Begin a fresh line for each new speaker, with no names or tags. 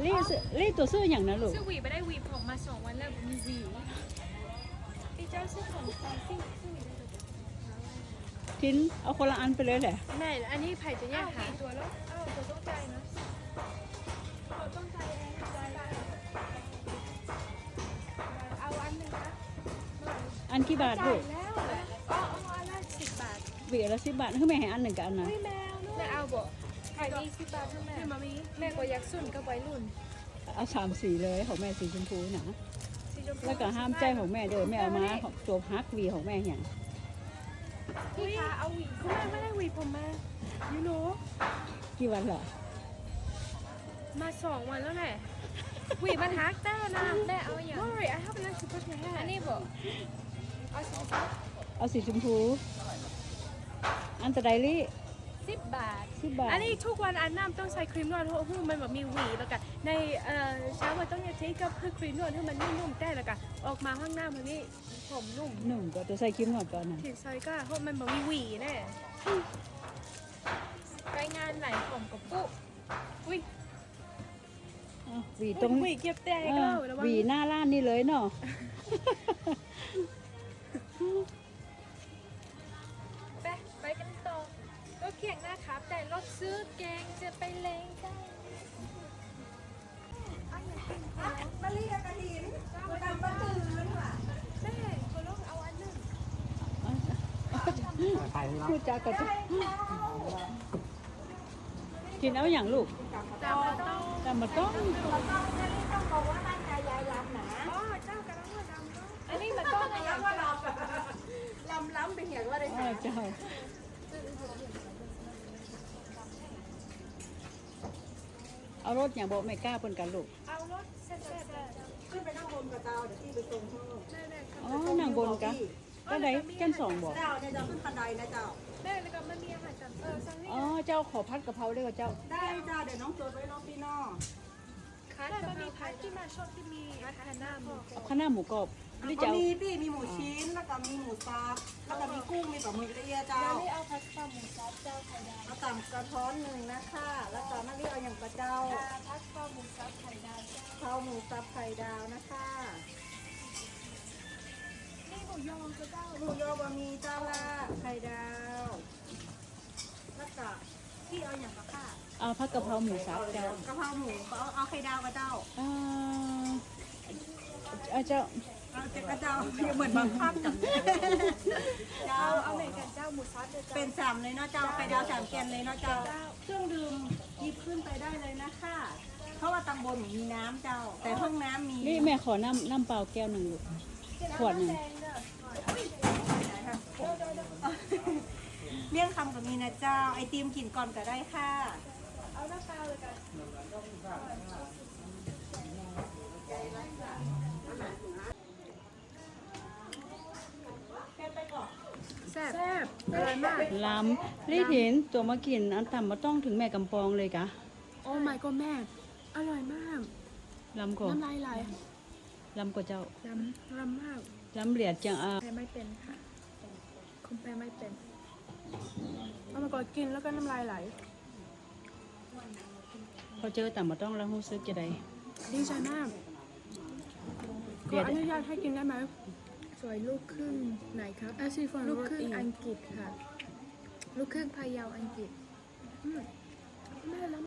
ลี่ตัวซื้ออย่างนะลูก
ซื้อหวีไปได้หวีผมมา2 วันแล้วมีหวีพี่เจ้าซื้อผมตอนซื้อหวีได้เลย
ทิ้นเอาคนละอันไปเลยแหละ
แม่อันนี้ไผ่จะแยกหาตัวแล้วตัวต้องใจนะเราต้องใจเองใจเอาอันหนึ่งนะ
อันกี่บาท
จ่า
ลู
ย
ก
แล้วเอาอันละ10 บาท
หวีละ10 บาทคือแม่ให้อันหนึ่งกับอันนั้น
แมวแม่เอาบ่ไผ่นี่10 บาทเท่าแม่แม่ก็อยากสุ่นกับวัยรุ่น
เอา3 สีเลยของแม่สีชมพูนะ
สีชมพู
แล้วก็ห้ามใจของแม่เด้อแม่เอามาตัวฮักหวีของแม่อย่าง
พี่คะเอาหวีแม่ไม่ได้หวีผมมายูโน
กี่วันเหรอ
มา2 วันแล้วแหละหวีมันฮักได้นะแม่เอาอย่าง Sorry I have like to put my hair อันนี้บ่เอาสี
เอาสีชมพู อันตะไดลี่
10 บาท
10 บาท
อันนี้ทุกวันอันน้ำต้องใช้ครีมนวดเพราะมันแบบมีหวีแล้วกันในเช้าวันต้องใช้กับครีมนวดให้มันนุ่มๆแต่แล้วกันออกมาข้างหน้ามันนี่ผมนุ่ม
หนุ่มก็จะใส่ครีมหนวดก่อนนะ
ผิวซอยก็เพราะมันแบบมีหวีแน่ไปงานไหนผมกับปุ๊อุ้ย
อ้าวหวีตรง
หวีเก็บแตก
เอ
ก็
อ
แล้ว
หวีหน้าร้านนี่เลยเนาะ
ไปกันต่อรถเคียงนะครับแต่รถซื้อแกงจะไปเลงได้
มะลิกับกระถินมาดำมาตื่นว่ะ
แม่เขาลองเอาอันหนึ่ง
พูดจาก็จะกินเอาอย่างลูก
แต่มาต้อง
แต่มันต้อง
เราต้องมะลิต้องบอกว่าตั้งใจยายลำนะ
อ๋อเจ้ากระลังว่าดำเนาะอันนี้มันต้องอะไรอย่าง
ว่าลำไปเห็นว่าได้
เจ้าเอารถอย่างบอกไม่กล้าเพิ่นกันลูก
เอารถแซ่บ
ขึ้นไปนั่งบนกับเตาเดี๋ยวที่ไปตรงห้อง
ๆแม่ๆ
อ๋อนั่งบนกันก็ได้กันสองบอก
เจ้าเนี่ยจะขึ้นบันไดนะเจ้า
แม่แล้วก็มันมีอาหารจำซังนี่
อ๋อเจ้าขอพัดกะเพราด้วยกับเจ้า
ได้เจ้าเดี๋ยวน้องจดไว้น้องพี่น้อง
คัสมันมีพัดที่มาชอบที่มีอาหารหน้าหมู
เอาข้าวหน้าหมูกรอบหรือ
ก็
เจ้า
มีพี่มีหมูชิ้นแล้วก็มีหมูซับแล้วก็มีกุ้งมีปลาหมึกละเอียดเจ้า
แล้วนี่เอาพัสต้าหมูซับเจ้าไข่ดาว
เอาต่ำกระท้อนหนึ่งนะคะแล้วก็มะลิเอาอย่างกระเจ้า
พัสต้าหมูซับไข่ดาวเจ้า
ข้าวหมูซับไข่ดาวนะคะ
นี่หมูยอก็เจ้า
หมูยอบะหมี่เจ้าละไข่ดาวแล้วก็พี่เอาอย่างกระค่ะ
เอาผัดกะเพราหมูสับเจ้าก
ะเพราหมูเอาไข่ดาวกับเจ้า
อ่าเจ้า
เอาเจ็ดกระเจ้าเหมือนบังคับกันเจ้า
เอาเหมือนกันเจ้าหมูซับเจ้า
เป็นสามเลยเนาะเจ้าไข่ดาว3 แกนเลยเนาะเจ้าเครื่องดื่มหยิบขึ้นไปได้เลยนะคะเพราะว่าตำบลมีน้ำเจ้า แต่ห้องน้ำมี
นี่แม่ขอน้ำเปล่าแก้วหนึ่งลูกขวดหนึ่ง
เลี่ยงคำกับมีนะเจ้าไอติมกินก่อนก็ได้ค่ะ
เอาหน้าเปล่าเลยกันแซ่บอร่อยมาก
ลำรีเห็นตัวมากินอันต่ำมาต้องถึงแม่กำปองเลยกะ
โอ้ my god แม่ อร่อยมาก
ลำก่อน
น้ำลายไหล
ลำกว่าเจ้า
ลำมาก
ลำเหลียดจังอ่ะ
แพ้ไม่เป็นค่ะคงแพ้ไม่เป็นเอามาก่อนกินแล้วก็น้ำลายไหล
พอเจอต่ำมาต้องแล้วรู้สึกจะได้
ดีใจมากข
เบี
อย
ด
อนุญาตให้กินได้ไหมสวยลูกครึ่งไหนครับลูกครึ่งอังกฤษค่ะ ลูกครึ่งพะเยาอังกฤษแม่แล้ว